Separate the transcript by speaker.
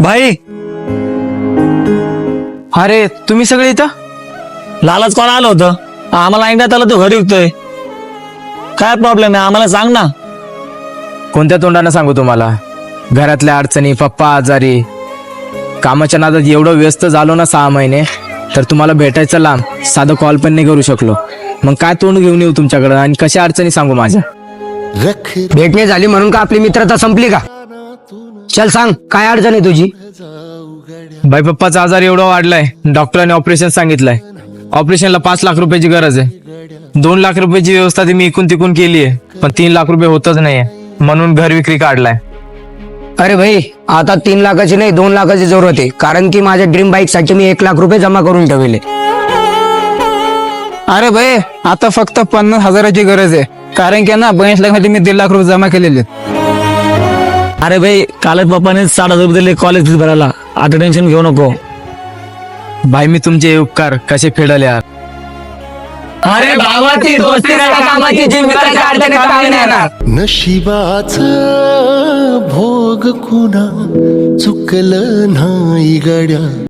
Speaker 1: भाई,
Speaker 2: अरे तुम्ही सगळे इथं?
Speaker 1: लालच कोण आलं होतं? आम्हाला ऐकण्यात आलं तू घरी विकतोय. काय प्रॉब्लेम आहे आम्हाला सांग ना.
Speaker 2: कोणत्या तोंडानं सांगू तुम्हाला? घरातल्या अडचणी, पप्पा आजारी, कामाच्या नादात एवढं व्यस्त झालो ना 6 महिने, तर तुम्हाला भेटायचं लांब, साधं कॉल पण नाही करू शकलो. मग काय तोंड घेऊन येऊ तुमच्याकडं आणि कशा अडचणी सांगू माझ्या?
Speaker 3: भेटणे झाली म्हणून का आपली मित्रता संपली का? चल सांग, काय अडचण आहे तुझी?
Speaker 2: बाई, पप्पाचा आजार एवढा वाढलाय, डॉक्टरांनी ऑपरेशन सांगितलंय. ऑपरेशनला 5 लाख रुपयाची गरज आहे. 2 लाख रुपयाची व्यवस्था ती मी इकून तिकून केली आहे, पण 3 लाख रुपये होतच नाहीये, म्हणून घर विक्री काढलाय.
Speaker 3: अरे भाई, आता 3 लाखाची नाही 2 लाखाची जरूरत आहे, कारण की माझ्या ड्रीम बाईक साठी मी 1 लाख रुपये जमा करून ठेवले.
Speaker 4: अरे भाई, आता फक्त 50,000ची गरज आहे, कारण की ना 22 लाखासाठी मी 1.5 लाख रुपये जमा केलेले.
Speaker 1: अरे भाई, कालच पप्पाने 60,000 रुपये दिले कॉलेज फीस भरायला. आता टेन्शन घेऊ नको.
Speaker 2: भाई, मी तुमचे उपकार कसे फेडले यार.
Speaker 1: अरे भावाची दोस्ती नाही कामाची, जी मित्राच्या अडचणीत कामी नाही येणार.
Speaker 5: नशिबाचा भोग कुणा चुकलं नाही गड्या.